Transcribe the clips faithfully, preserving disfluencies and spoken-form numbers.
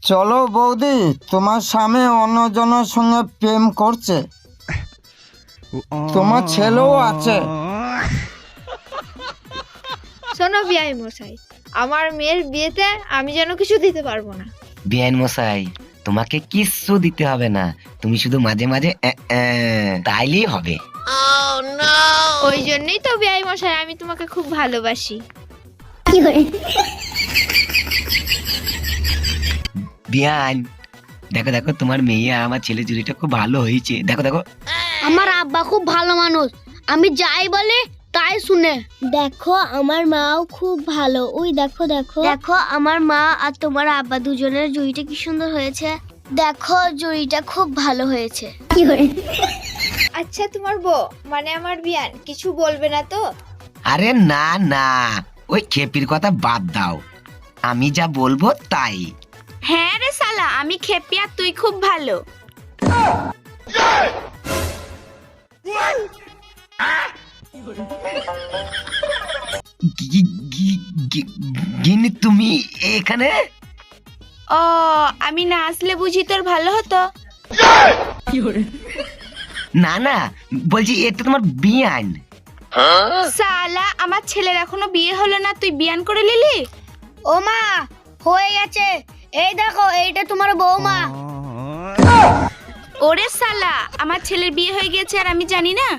চলো বৌদি, তোমার স্বামী অন্যজনের সঙ্গে প্রেম করছে, তোমার ছেলেও আছে। শোনো বিআই মশাই, আমার মেয়ের বিয়েতে আমি যেন কিছু দিতে পারবো না। বিআইন মশাই, তোমাকে কিচ্ছু দিতে হবে না, তুমি শুধু মাঝে মাঝে অ্যাঁ, অ্যাঁ, তাইলেই হবে। ওই জন্যই তো বিআই মশাই আমি তোমাকে খুব ভালোবাসি। বিয়ান, দেখো দেখো তোমার মেয়ে আর আমার ছেলে জুড়িটা খুব ভালো হয়েছে। দেখো দেখো, আমার আব্বা খুব ভালো মানুষ, আমি যাই বলে তাই শুনে। দেখো আমার মাও খুব ভালো, ওই দেখো দেখো দেখো আমার মা আর তোমার আব্বা দুজনের জুড়িটা কি সুন্দর হয়েছে। দেখো জুড়িটা খুব ভালো হয়েছে। আচ্ছা তোমার বউ মানে আমার বিয়ান কিছু বলবে না তো? আরে না না, ওই খেপির কথা বাদ দাও, আমি যা বলবো তাই। হ্যাঁ রে শালা, আমি খেপি আর তুই খুব ভালো। গি- গি- গি- গিন্নি তুমি এখানে? ও, আমি না আসলে বুঝি তোর ভালো হতো। না না, বলছি এটা তোমার বিয়ান। শালা, আমার ছেলের এখনো বিয়ে হলো না, তুই বিয়ান করে নিলি? ও মা, হয়ে গেছে, এই দেখো এইটা তোমার বৌমা। ওরে শালা, আমার ছেলের বিয়ে হয়ে গেছে আর আমি জানি না?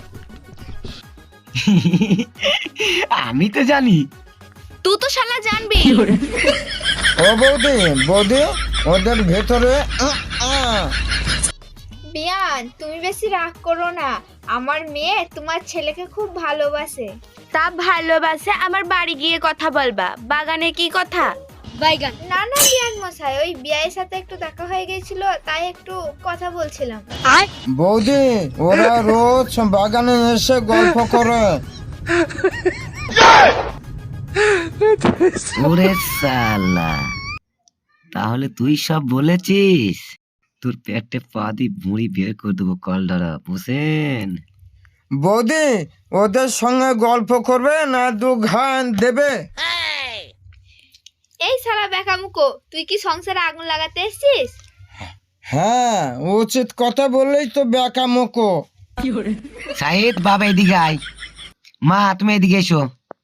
আমি তো জানি। তুই তো শালা জানবি। ও বৌদি, বৌদি ওদের ভেতরে আহ, আহ। বিয়ান, তুমি বেশি রাগ করো না, আমার মেয়ে তোমার ছেলেকে খুব ভালোবাসে। তা ভালোবাসে, আমার বাড়ি গিয়ে কথা বলবা, বাগানে কি কথা? বাইগান। না না বিয়ান মশাই, ওই বিয়ের সাথে একটু দেখা হয়ে গেছিল, তাই একটু কথা বলছিলাম। বৌদি ওরা রোজ বাগানে এসে গল্প করে। ওরে সালা, তাহলে তুই সব বলেছিস? তোর পেটে পা দিয়ে বুড়ি বের করে দেবো, কল ধরা বুঝেন? বৌদি ওদের সঙ্গে গল্প করবে না দু ঘান দেবে? এই শালা বেকামুকো, তুই কি সংসারে আগুন লাগাতে এসেছিস? হ্যাঁ, উচিত কথা বললেই তো বেকা মোকো। সাহিদ বাবা এদিকে আয়। মা তুমি এদিকে এসো।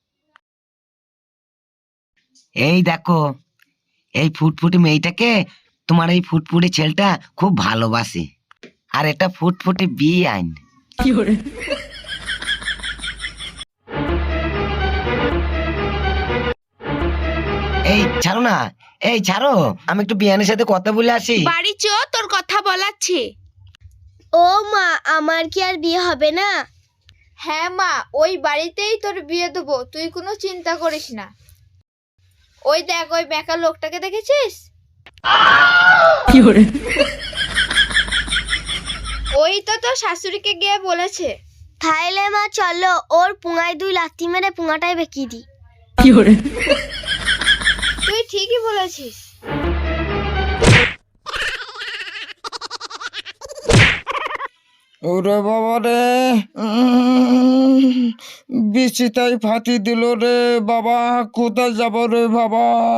এই দেখো, এই ফুটফুটি মেয়েটাকে তোমার এই ফুটফুটি ছেলেটা খুব ভালোবাসে, আর এটা ফুটফুটি বিয়ে আইন। এই ছাড়ো না, এই ছাড়ো, আমি একটু বিয়ানের সাথে কথা বলে আসি। বাড়ি চো, তোর কথা বলাচ্ছি। ও মা, আমার কি আর বিয়ে হবে না? হ্যাঁ মা, ওই বাড়িতেই তোর বিয়ে দেবো, তুই কোনো চিন্তা করিস না। ওই দেখ, ওই বেকার লোকটাকে দেখেছিস? ওই তো তোর শাশুড়িকে গিয়ে বলেছে। তাইলে মা চলো, ওর পুঙায় দুই লাথি মেরে পুঙাটাই বেঁকিয়ে দিই। তুই ঠিকই বলেছিস। ওরে বাবা রে, বিচিতাই ফাটি দিল রে বাবা, কোথায় যাব রে বাবা।